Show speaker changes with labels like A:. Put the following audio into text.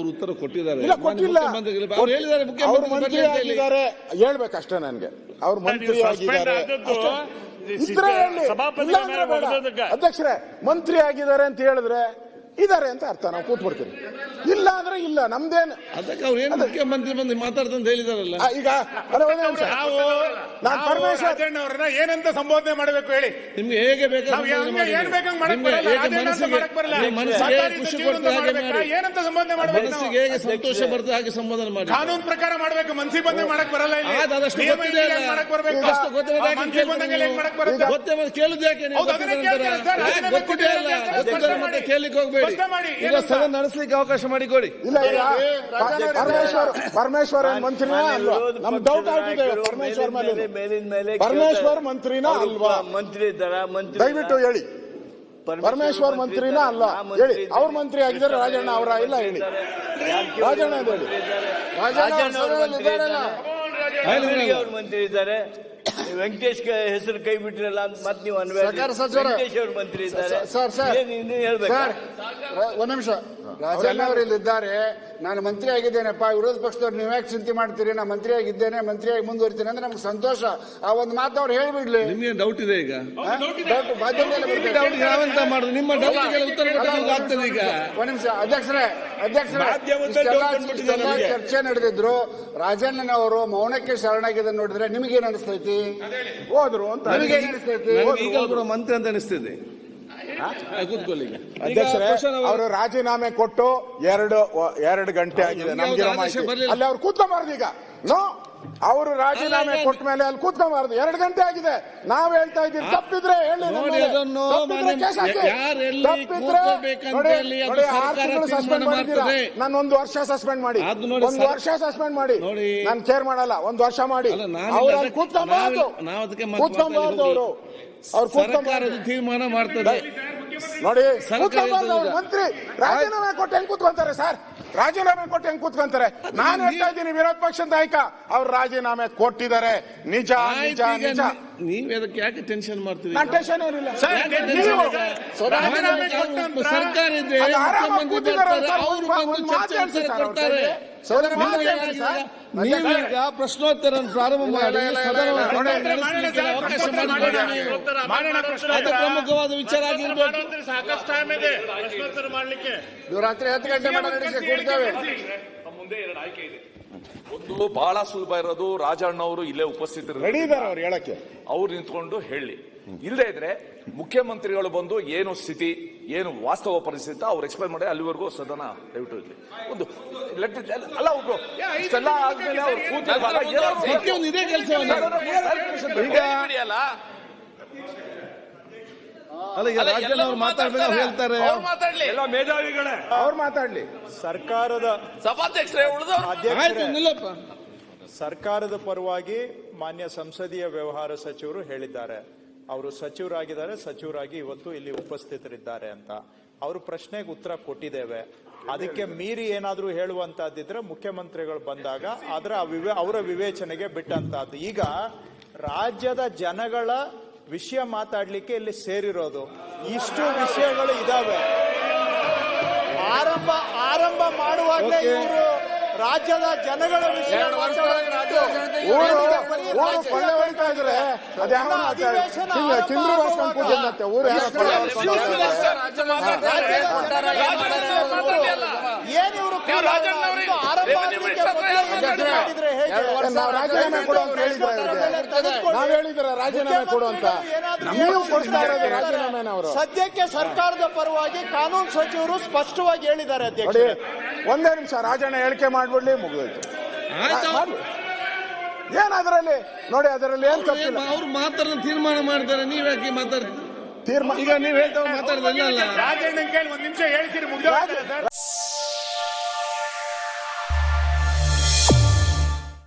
A: ಅವರು ಉತ್ತರ ಕೊಟ್ಟಿದ್ದಾರೆ.
B: ಇಲ್ಲ ಕೊಟ್ಟಿಲ್ಲ,
A: ಅವ್ರು ಹೇಳಿದ್ದಾರೆ
B: ಅವರು ಮಂತ್ರಿ ಆಗಿದ್ದಾರೆ ಹೇಳ್ಬೇಕಷ್ಟೇ ನನಗೆ. ಅವ್ರು ಮಂತ್ರಿ ಆಗಿದ್ದಾರೆ ಇದ್ರೆ ಅಧ್ಯಕ್ಷರೇ ಮಂತ್ರಿ ಆಗಿದ್ದಾರೆ ಅಂತ ಹೇಳಿದ್ರೆ ಇದಾರೆ ಅಂತ ಅರ್ಥ. ನಾವು ಕೂತ್ಬಿಡ್ತೀವಿ. ಇಲ್ಲ ಅಂದ್ರೆ ಇಲ್ಲ, ನಮ್ದೇನು
A: ಅದಕ್ಕೆ ಅವ್ರು ಏನು ಮುಖ್ಯಮಂತ್ರಿ ಬಂದು ಮಾತಾಡ್ತಂತ ಹೇಳಿದಾರಲ್ಲ.
B: ಈಗ ನಾನು ಪರಮೇಶ್ವರ್
C: ಅವ್ರನ್ನ ಏನಂತ ಸಂಬೋಧನೆ ಮಾಡಬೇಕು ಹೇಳಿ.
A: ನಿಮ್ಗೆ ಹೇಗೆ ಬೇಕಾದ್ರೆ ಖುಷಿ ಕೊಡ್ತದೆ
C: ಏನಂತ ಸಂಬೋಧನೆ ಮಾಡಬೇಕು,
A: ಮನಸ್ಸಿಗೆ ಹೇಗೆ ಸಂತೋಷ ಬರ್ತದೆ ಹಾಗೆ ಸಂಬೋಧನೆ ಮಾಡಿ.
C: ಕಾನೂನು ಪ್ರಕಾರ ಮಾಡಬೇಕು. ಮನ್ಸಿ ಬಂದೆ ಮಾಡಕ್ ಬರಲ್ಲ.
A: ಕೇಳುದು ಯಾಕೆ ಕೇಳಲಿಕ್ಕೆ ಹೋಗ್ಬೇಡಿ. ಈಗ ಸದನ ನಡೆಸಲಿಕ್ಕೆ ಅವಕಾಶ ಮಾಡಿಕೊಡಿ.
B: ಇಲ್ಲ ಪರಮೇಶ್ವರ್ ಮಂತ್ರಿನಾ ಅಲ್ವಾ? ನಮ್ ಡೌಟ್ ಆಗಿದೆ ಪರಮೇಶ್ವರ್ ಮೇಲೆ. ಪರಮೇಶ್ವರ್ ಮಂತ್ರಿನಾ ಅಲ್ವಾ?
D: ಮಂತ್ರಿ ಇದ್ದಾರಾ?
B: ದಯವಿಟ್ಟು ಹೇಳಿ. ಪರಮೇಶ್ವರ್ ಮಂತ್ರಿನಾ ಅಲ್ಲ ಹೇಳಿ. ಅವ್ರ ಮಂತ್ರಿ ಆಗಿದ್ದಾರೆ, ರಾಜಣ್ಣ ಅವರ ಇಲ್ಲ ಹೇಳಿ. ರಾಜಣ್ಣ ಹೇಳಿ.
D: ಅವ್ರ ಮಂತ್ರಿ ಇದ್ದಾರೆ. ವೆಂಕಟೇಶ್ ಹೆಸರು ಕೈ ಬಿಟ್ಟಿರಲ್ಲ ಅಂತ ಮತ್ತೆ ನೀವು ವೆಂಕಟೇಶ್ ಅವ್ರ ಮಂತ್ರಿ ಇದ್ದಾರೆ. ಹೇಳ್ಬೇಕು.
E: ಒಂದ್ ನಿಮಿಷ. ರಾಜಣ್ಣ ಅವರು ಇಲ್ಲಿದ್ದಾರೆ. ನಾನು ಮಂತ್ರಿ ಆಗಿದ್ದೇನೆಪ್ಪ, ವಿರೋಧ ಪಕ್ಷದವ್ರು ನೀವ್ ಯಾಕೆ ಚಿಂತೆ ಮಾಡ್ತೀರಿ? ನಾನು ಮಂತ್ರಿ ಆಗಿದ್ದೇನೆ, ಮಂತ್ರಿಯಾಗಿ ಮುಂದುವರಿತೀನಿ ಅಂದ್ರೆ ನಮ್ಗೆ ಸಂತೋಷ. ಆ ಒಂದು ಮಾತು ಅವ್ರು ಹೇಳ್ಬಿಡ್ಲಿ.
A: ನಿಮ್ಗೆ ಡೌಟ್ ಇದೆ ಈಗ?
E: ನಾವೆಂತ
A: ಮಾಡುದು? ನಿಮ್ಮ ಡೌಟ್ಗೆ ಉತ್ತರ ಆಗ್ತದೆ ಈಗ.
E: ಒಂದ್ ನಿಮಿಷ ಅಧ್ಯಕ್ಷರೇ ಚರ್ಚೆ ನಡೆದಿದ್ರು. ರಾಜಣ್ಣನವರು ಮೌನಕ್ಕೆ ಶರಣಾಗಿದೆ ನೋಡಿದ್ರೆ ನಿಮ್ಗೇನ್ ಅನಿಸ್ತೈತಿ?
B: ಹೋದ್ರು ಅಂತ
E: ನಿಮಗೇನ್ ಅನಿಸ್ತೈತಿ?
A: ಈಗ ಮಂತ್ರಿ ಅಂತ ಅನಿಸ್ತಿದೆ. ಕೂತ್ಕೊಳ್ಳಿ.
B: ಅಧ್ಯಕ್ಷರೇ ಅವರು ರಾಜೀನಾಮೆ ಕೊಟ್ಟು ಎರಡು ಗಂಟೆ ಆಗಿದೆ. ನಮ್ಗೆ ಅಲ್ಲಿ ಅವ್ರು ಕೂತ್ಕೊಂಬಾರ್ದು ಈಗ. ನೋ, ಅವರು ರಾಜೀನಾಮೆ ಕೊಟ್ಟ ಮೇಲೆ ಅಲ್ಲಿ ಕೂತ್ಕೊಂಬಾರ್ದು. 2 ಗಂಟೆ ಆಗಿದೆ. ನಾವ್ ಹೇಳ್ತಾ ಇದ್ದೀವಿ. ತಪ್ಪಿದ್ರೆ ಹೇಳಿ.
A: ನೋಡಿ, 6
B: ತಿಂಗಳು ಸಸ್ಪೆಂಡ್ ಮಾಡಿದ್ದೀರಾ. ನಾನು 1 ವರ್ಷ ಸಸ್ಪೆಂಡ್ ಮಾಡಿ, 1 ವರ್ಷ ಸಸ್ಪೆಂಡ್ ಮಾಡಿ. ನಾನು ಕೇರ್ ಮಾಡಲ್ಲ. 1 ವರ್ಷ ಮಾಡಿ. ಅವ್ರು ಅಲ್ಲಿ ಕೂತ್ಕೊಂಬಾರ್ದು. ಅವರು
A: ಸರ್ಕಾರದ ತೀರ್ಮಾನ ಮಾಡ್ತದೆ.
B: ನೋಡಿ, ಮಂತ್ರಿ ರಾಜೀನಾಮೆ ಕೊಟ್ಟು ಹೆಂಗ್ ಕೂತ್ಕೊಂತಾರೆ ಸರ್? ರಾಜೀನಾಮೆ ಕೊಟ್ಟು ಹೆಂಗ್ ಕೂತ್ಕೊಂತಾರೆ? ನಾನು ಹೇಳ್ತಾ ಇದ್ದೀನಿ, ವಿರೋಧ ಪಕ್ಷದ ನಾಯಕ ಅವ್ರು ರಾಜೀನಾಮೆ ಕೊಟ್ಟಿದ್ದಾರೆ. ನಿಜ ನಿಜ ನಿಜ.
A: ನೀವ್ ಅದಕ್ಕೆ ಯಾಕೆ ಟೆನ್ಷನ್ ಮಾಡ್ತೀರಿ?
B: ನಾನು ಟೆನ್ಷನ್ ಏನಿಲ್ಲ.
A: ಸರ್ಕಾರ ಇದೆ, ನೀವೀಗ ಪ್ರಶ್ನೋತ್ತರ ಪ್ರಾರಂಭ ಮಾಡಿ ಅವಕಾಶ ಮಾಡಿ. ಪ್ರಮುಖವಾದ ವಿಚಾರ ಆಗಿರ್ಬೇಕು.
C: ಸಾಕಷ್ಟು ಟೈಮ್ ಇದೆ ಪ್ರಶ್ನೋತ್ತರ ಮಾಡ್ಲಿಕ್ಕೆ.
E: ರಾತ್ರಿ 10 ಗಂಟೆ ಕೊಡ್ತೇವೆ.
F: ಮುಂದೆ 2 ಆಯ್ಕೆ ಇದೆ. ಒಂದು ಬಹಳ ಸುಲಭ ಇರೋದು, ರಾಜಣ್ಣ ಅವರು ಇಲ್ಲೇ ಉಪಸ್ಥಿತರಿದ್ದಾರೆ,
B: ಅವ್ರು ಹೇಳಕ್ಕೆ
F: ಅವ್ರು ನಿಂತ್ಕೊಂಡು ಹೇಳಿ. ಇಲ್ಲದೆ ಇದ್ರೆ ಮುಖ್ಯಮಂತ್ರಿಗಳು ಬಂದು ಏನು ಸ್ಥಿತಿ, ಏನು ವಾಸ್ತವ ಪರಿಸ್ಥಿತಿ ಅವ್ರು ಎಕ್ಸ್ಪ್ಲೈನ್ ಮಾಡಿ. ಅಲ್ಲಿವರೆಗೂ ಸದನ ದಯವಿಟ್ಟು ಇರಲಿ. ಒಂದು ಅಲ್ಲ, ಒಬ್ರು ಇಷ್ಟೆಲ್ಲ ಆದ್ಮೇಲೆ ಅವ್ರು
A: ಇದೇ ಕೆಲಸ ಅಲ್ಲ. ಈಗ ರಾಜ್ಯದಲ್ಲಿ ಅವ್ರು ಮಾತಾಡ್ಬೇಕು ಹೇಳ್ತಾರೆ.
F: ಎಲ್ಲ ಮೇಧಾವಿಗಳೇ
B: ಅವ್ರು ಮಾತಾಡ್ಲಿ.
G: ಸರ್ಕಾರದ
F: ಸಭಾಧ್ಯಕ್ಷರೇ
A: ನಿಲ್ಲಪ್ಪ.
G: ಸರ್ಕಾರದ ಪರವಾಗಿ ಮಾನ್ಯ ಸಂಸದೀಯ ವ್ಯವಹಾರ ಸಚಿವರು ಹೇಳಿದ್ದಾರೆ. ಅವರು ಸಚಿವರಾಗಿದ್ದಾರೆ, ಸಚಿವರಾಗಿ ಇವತ್ತು ಇಲ್ಲಿ ಉಪಸ್ಥಿತರಿದ್ದಾರೆ ಅಂತ. ಅವರು ಪ್ರಶ್ನೆಗೆ ಉತ್ತರ ಕೊಟ್ಟಿದ್ದೇವೆ. ಅದಕ್ಕೆ ಮೀರಿ ಏನಾದ್ರೂ ಹೇಳುವಂತಹದ್ದಿದ್ರೆ ಮುಖ್ಯಮಂತ್ರಿಗಳು ಬಂದಾಗ ಅವರ ವಿವೇಚನೆಗೆ ಬಿಟ್ಟಂತಹದ್ದು. ಈಗ ರಾಜ್ಯದ ಜನಗಳ ವಿಷಯ ಮಾತಾಡ್ಲಿಕ್ಕೆ ಇಲ್ಲಿ ಸೇರಿರೋದು. ಇಷ್ಟು ವಿಷಯಗಳು ಇದಾವೆ. ಆರಂಭ ಮಾಡುವಾಗಲೇ ಇವರು ರಾಜ್ಯದ ಜನಗಳ ವಿಷಯ
B: ಹೊಡಿತಾ ಇದ್ರೆ ಚಂದ್ರ ಭಾಷಣ ಪೂಜೆ ಮತ್ತೆ ಊರು ರಾಜೀನಾಮೆ ಕೊಡು ಅಂತ ಹೇಳಿದ್ರೆ ನಾವ್ ಹೇಳಿದ್ರೆ ರಾಜೀನಾಮೆ ಕೊಡು ಅಂತ ನೀವು ಕೊಡ್ತಾ ಇರೋದು ರಾಜೀನಾಮೆನ. ಅವರು
G: ಸದ್ಯಕ್ಕೆ ಸರ್ಕಾರದ ಪರವಾಗಿ ಕಾನೂನು ಸಚಿವರು ಸ್ಪಷ್ಟವಾಗಿ ಹೇಳಿದ್ದಾರೆ. ಅಧ್ಯಕ್ಷ,
B: 1 ನಿಮಿಷ ರಾಜಣ್ಣ ಹೇಳಿಕೆ ಮಾಡ್ಬಿಡ್ಲಿ, ಮುಗಿದೋಯ್ತು. ಏನ್ ಅದರಲ್ಲಿ ನೋಡಿ, ಅದರಲ್ಲಿ ಏನ್ ತಪ್ಪಿಲ್ಲ.
A: ಅವ್ರು ಮಾತಾಡೋ ತೀರ್ಮಾನ ಮಾಡ್ತಾರೆ. ನೀವ್ ಯಾಕೆ ಮಾತಾಡ್ತೀರಿ? ಈಗ ನೀವ್ ಹೇಳ್ತಾ ಮಾತಾಡ್ದಲ್ಲ.
C: ರಾಜಣ್ಣ ಕೇಳಿ 1 ನಿಮಿಷ ಹೇಳ್ತೀರಿ, ಮುಗಿದ